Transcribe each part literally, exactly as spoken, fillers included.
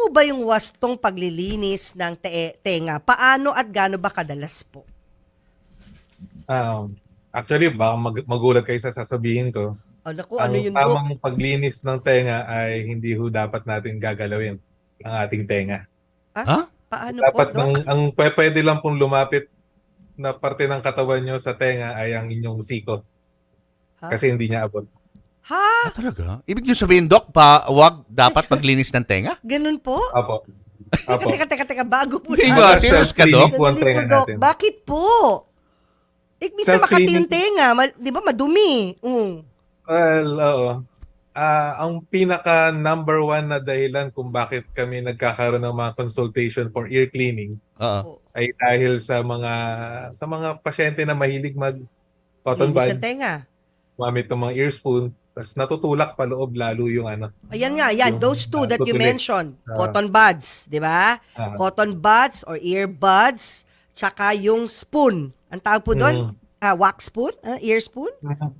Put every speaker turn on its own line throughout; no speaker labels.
po ba yung wastong paglilinis ng te- tenga? Paano at gaano ba kadalas po?
Um, actually, baka mag- magulat kayo sa sasabihin ko.
Oh, naku, ano
Ang
yun, Dok?
tamang paglinis ng tenga ay hindi ho dapat natin gagalawin ang ating tenga.
Ah,
Ha?
paano po,
Dapat ng,
Dok?
ang pwe- pwede lang pong lumapit na parte ng katawan nyo sa tenga ay ang inyong siko.
Ha?
Kasi hindi niya abot.
Ha?
Ah, talaga? Ibig nyo sabihin, Doc, pa, wag dapat maglinis ng tenga?
Ganun po?
Apo.
Teka,
Apo.
teka, teka, teka, bago po
Hindi
sa...
ba? Serious ka,
Self-cleaning
Doc?
po ang
Sandali po,
tenga
Dok.
natin.
Bakit po? Eh, minsan makati
Self-cleaning-
yung tenga. Ma- di ba, madumi. Mm.
Well, oo. Ah, ang pinaka number one na dahilan kung bakit kami nagkakaroon ng mga consultation for ear cleaning
Oo.
ay dahil sa mga sa mga pasyente na mahilig mag cotton
Linis sa
buds,
tenga.
gumamit ng mga ear spoon, tapos natutulak pa loob lalo yung ano.
Ayan nga, yan.
Yung,
Those two
ah,
that you
tutulik.
mentioned.
Ah.
Cotton buds, di ba?
Ah.
Cotton buds or earbuds. Tsaka yung spoon. Ang tawag po doon?
Mm.
Ah, wax spoon? Ah, ear spoon?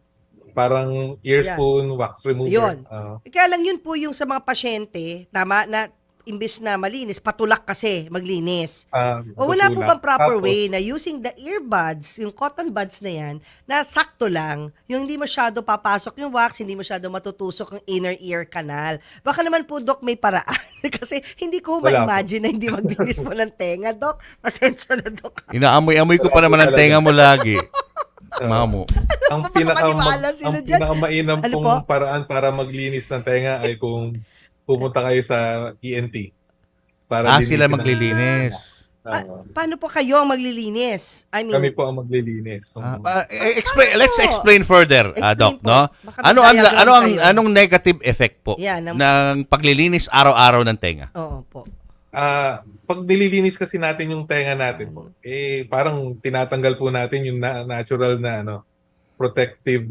Parang ear
Yeah.
spoon, wax remover.
Yun.
Ah.
Kaya lang yun po yung sa mga pasyente, tama, na imbis na malinis, patulak kasi maglinis.
Ah,
O wala po
natutulak.
bang proper
Tapos,
way na using the earbuds, yung cotton buds na yan, na sakto lang, yung hindi masyado papasok yung wax, hindi masyado matutusok yung inner ear canal. Baka naman po, Dok, may paraan. Kasi hindi ko
Wala
ma-imagine na hindi maglinis mo ng tenga, Dok. Pasensya na, Dok.
Inaamoy-amoy ko pa naman ang tenga mo lagi. Mamo.
ang pinaka
Napapaniwala sila
ang
dyan.
pinakamainam
Ano
pong
po?
paraan para maglinis ng tenga ay kung pumunta kayo sa E N T. Para
Ah,
linisin
sila
ang-
maglilinis.
Ah,
Ah,
paano po kayo ang maglilinis? I mean,
kami po ang maglilinis. So,
Ah, ah, eh, explain, let's explain further, ah,
Explain
Doc,
po.
no?
Baka may
Ano ang
diagram
ano ang
kayo.
anong negative effect po
Yan, ng-
ng paglilinis araw-araw ng tenga?
oo po.
ah, pag nililinis kasi natin yung tenga natin po, eh parang tinatanggal po natin yung na- natural na ano, protective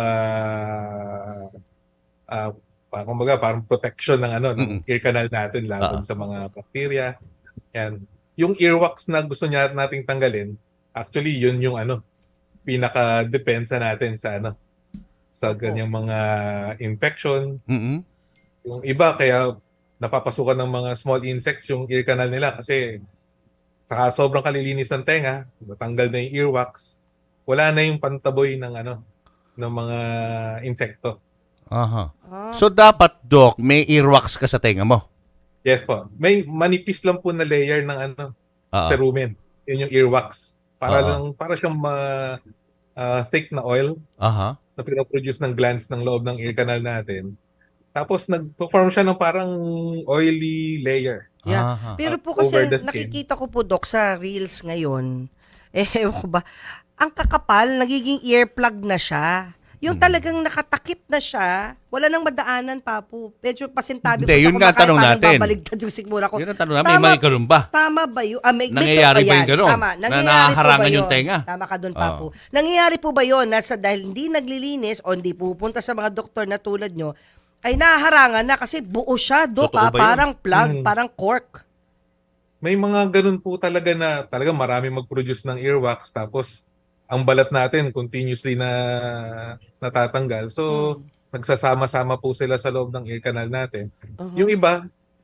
ah ah, pa- kumbaga parang protection ng ano ng
Mm-mm.
ear canal natin laban
Ah.
sa mga bacteria. Yan. Yung earwax na gusto niya nating tanggalin, actually yun yung ano pinaka depensa natin sa ano sa
Opo.
ganyang mga infection.
Mhm.
Yung iba kaya napapasukan ng mga small insects yung ear canal nila kasi saka sobrang kalilinis ng tenga, natanggal na yung earwax, wala na yung pantaboy ng ano ng mga insekto.
Aha.
Ah,
So dapat, Doc, may earwax ka sa tenga mo.
Yes po. May manipis lang po na layer ng ano
Ah.
cerumen. Yun yung earwax. Para
Oo.
lang para siyang ma, ah, thick na oil
Aha.
na pinoproduce ng glands ng loob ng ear canal natin. Tapos nag-form siya ng parang oily layer.
yeah.
Aha.
Pero po
over
kasi
the skin.
nakikita ko po, Dok, sa reels ngayon, eh, ewan ko ba, ang kakapal, nagiging earplug na siya. Yung
Hmm.
talagang nakatakip na siya, wala nang madaanan pa po. Medyo pasintabi
Hindi,
po sa
yun nga ang tanong
parang
natin.
babaligtad yung sigmura ko.
Yun ang tanong namin, may ganun ba?
Tama ba yun? Ah, may, may
Nangyayari
to-
ba
ayan,
yung ganun?
Tama.
Na
Nangyayari
nahaharangan
po ba
yung
yun?
tenga?
Tama ka doon pa
Oo.
po. Nangyayari po ba yun na sa, dahil hindi naglilinis o hindi pupunta sa mga doktor na tulad nyo, ay nahaharangan na kasi buo siya, Dok,
Totoo
ah,
ba yun?
parang plug,
Hmm.
parang cork.
May mga ganun po talaga na talaga marami mag-produce ng earwax tapos ang balat natin continuously na natatanggal. So, nagsasama-sama po sila sa loob ng ear canal natin.
Uh-huh.
Yung iba,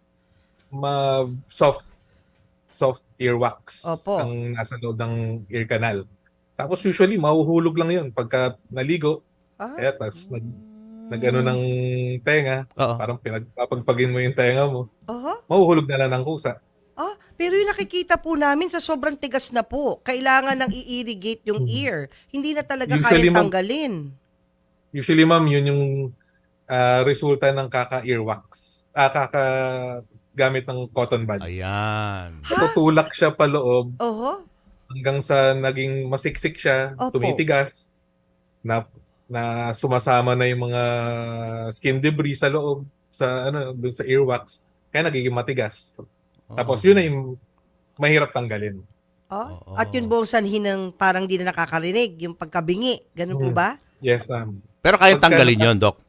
ma soft soft earwax
Opo.
ang nasa loob ng ear canal. Tapos usually mahuhulog lang 'yun pagka naligo.
Ah.
Eh tas nag nagano ng tenga,
Oo.
parang pinagpapagpagin mo yung tenga mo.
Aha.
Mahuhulog na lang ng kusa.
Ah, pero yung nakikita po namin sa sobrang tigas na po, kailangan nang i-irrigate yung ear. Hindi na talaga
Usually,
kayang
ma'am-
tanggalin.
Usually ma'am, yun yung ah, resulta ng kaka-earwax. Ah, kaka-gamit ng cotton buds.
Ayan.
Tutulak siya pa loob
Oho.
hanggang sa naging masiksik siya,
Opo.
tumitigas, na na sumasama na yung mga skin debris sa loob, sa ano, dun sa earwax, kaya nagiging matigas. Tapos yun na yung mahirap tanggalin.
Ah,
Oo.
at yun buong sanhi ng parang di na nakakarinig, yung pagkabingi. Ganun po
Hmm.
ba?
Yes, ma'am.
Pero kaya
Pagka-
tanggalin yon, Doc.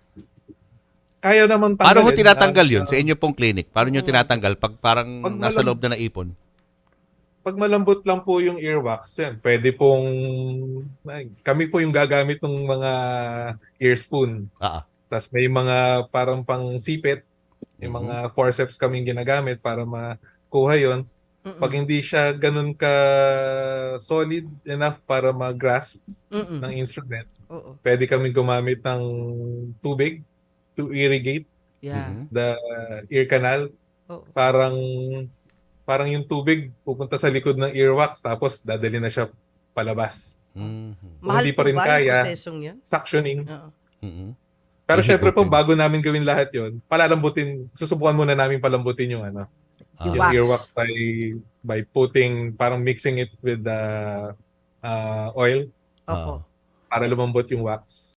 Kaya naman tanggalin.
Paano mo tinatanggal
Ah,
yun sa inyo pong clinic? Paano nyo tinatanggal pag parang
Pag
nasa
malam-
loob na naipon?
Pag malambot lang po yung earwax, yan, pwede pong, ay, kami po yung gagamit ng mga ear spoon.
Ah.
Tapos may mga parang pang sipit, Yung
Mhm.
mga forceps kaming ginagamit para makuha yon.
Mm-mm.
Pag hindi siya ganun ka solid enough para mag-grasp
Mm-mm.
ng instrument,
Oo.
pwede kami gumamit ng tubig to irrigate
Yeah.
Mhm.
the ear canal.
Oo.
Parang parang yung tubig pupunta sa likod ng earwax tapos dadali na siya palabas.
Mhm.
Kung
Mahal
hindi
po
pa rin
ba yung
kaya,
prosesong yan?
suctioning.
Oo.
Mhm.
Pero syempre po,
Ihigupin.
bago namin gawin lahat yon, palalambutin, susubukan muna namin palambutin yung ano,
Yung
yung
wax.
earwax by by putting, parang mixing it with the uh, oil
Opo.
Ah.
para lumambot yung wax.